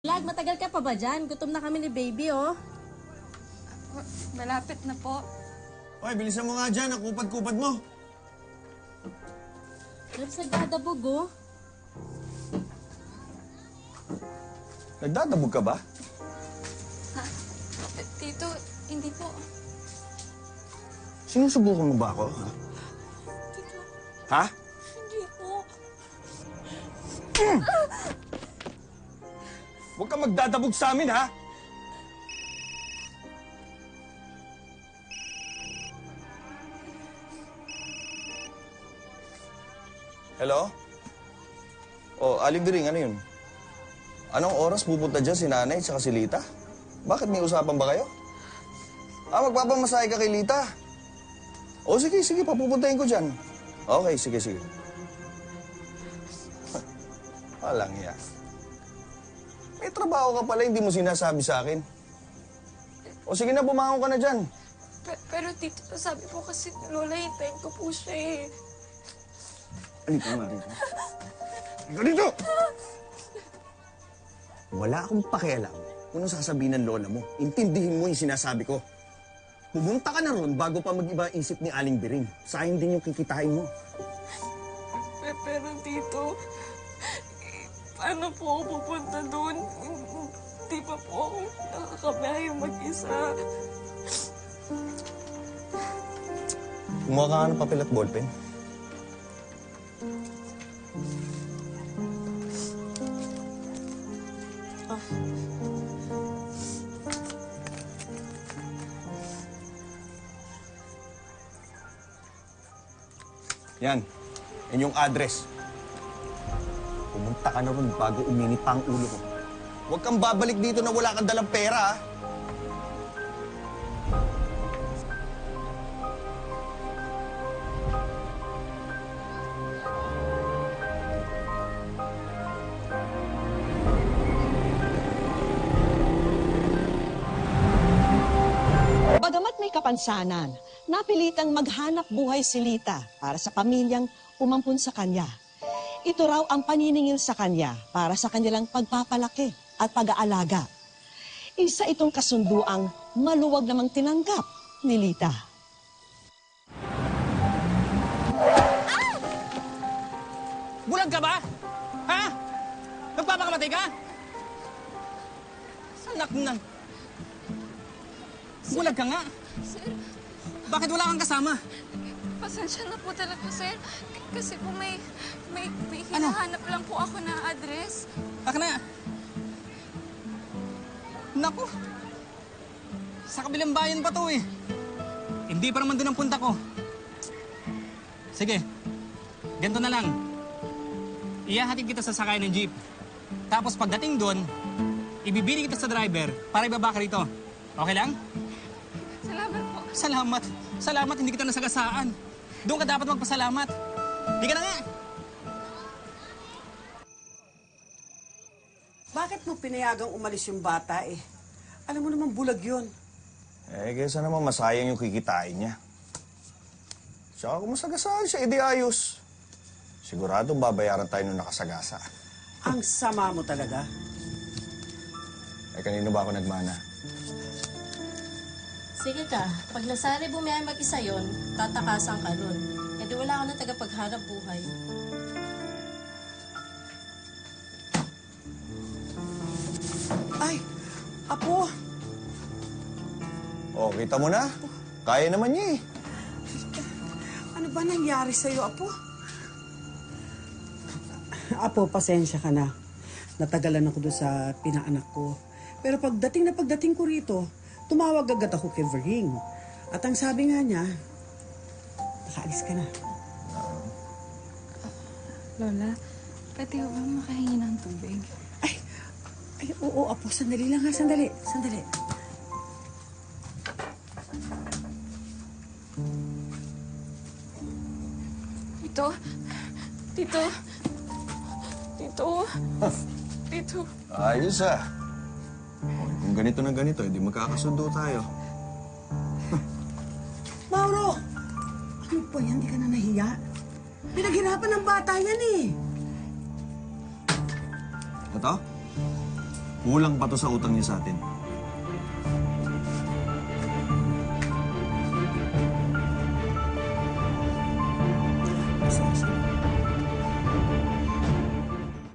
Lag, matagal ka pa ba dyan? Gutom na kami ni baby, oh. Malapit na po. Hoy, bilisan mo nga dyan. Ang kupad-kupad mo. Labs, nagdadabog, oh. Nagdadabog ka ba? Ha? Tito, hindi po. Sinusubukan mo ba ako? Tito, Ha? hindi po. Huwag kang magdadabog sa amin, ha? Hello? Oh, Aling Biring, ano yun? Anong oras pupunta dyan si Nanay at si Lita? Bakit may usapan ba kayo? Magpapamasahe ka kay Lita. O sige, papupuntahin ko dyan. Okay, sige. Walang iya. May trabaho ka pala, hindi mo sinasabi sa akin. O sige na, bumangon ka na dyan. Pero tito, sabi po kasi Lola, hintayin ko po siya eh. Halika nga rito. Halika dito! Wala akong pakialam kung anong sasabihin ng lola mo. Intindihin mo yung sinasabi ko. Pumunta ka na ron bago pa mag-iba isip ni Aling Biring. Sayang din yung kikitain mo. Pero tito, paano po ako pupunta doon? Hindi pa po ako nakakabiyahe mag-isa. Kumuha ka nga ng papel at ballpen. Yan yung address. Pumunta ka na ron bago uminit pa ang ulo ko. Huwag kang babalik dito na wala kang dalang pera, ha? Bagamat may kapansanan, napilitang maghanap buhay si Lita para sa pamilyang umampun sa kanya. Ito raw ang paniningil sa kanya para sa kanilang pagpapalaki at pag-aalaga. Isa itong kasunduang maluwag namang tinanggap ni Lita. Bulag ka ba? Ha? Nagpapakamatay ka? Sanak na. Bulag ka nga. Sir, Bakit wala kang kasama? pasensya na po talaga, sir. Kasi po may Ano? hinahanap lang po ako na address. Aka na. Naku. Sa kabilang bayan pa to eh. Hindi pa naman doon ang punta ko. Sige. Ganito na lang. Ihahatid kita sa sakay ng jeep. Tapos pagdating doon, ibibili kita sa driver para ibaba ka rito. Okay lang? Salamat po. Salamat, hindi kita nasagasaan. Doon ka dapat magpasalamat. Hindi ka na nga. Bakit mo pinayagang umalis yung bata eh? Alam mo naman bulag yun. Kaysa naman masayang yung kikitain niya. Tsaka kung masagasaan siya, edi ayos. Siguradong babayaran tayo nung nakasagasa. Ang sama mo talaga. Kanino ba ako nagmana? Sige ka, pag nasari bumiyay mag-isa yon, tatakasan ka nun. E di wala ka na tagapaghanap buhay. Ay, Apo, Oh, kita mo na. Kaya naman niya eh. ano ba nangyari sa'yo, Apo? Apo, pasensya ka na. Natagalan ako doon sa pinaanak ko. Pero pagdating ko rito, tumawag agad ako kay Vering. At ang sabi nga niya, nakaalis ka na. Lola, pwede ko ba makahingi ng tubig? Ay, oo, Apo, sandali lang ha, sandali. Tito. Ayos ah. Kung ganito na ganito, hindi magkakasundo tayo. Mauro! Ano po yan? Di ka na nahiya? Pinaghirapan ng bata yan eh. Ito? Kulang pa to sa utang niya sa atin. Pasensya na.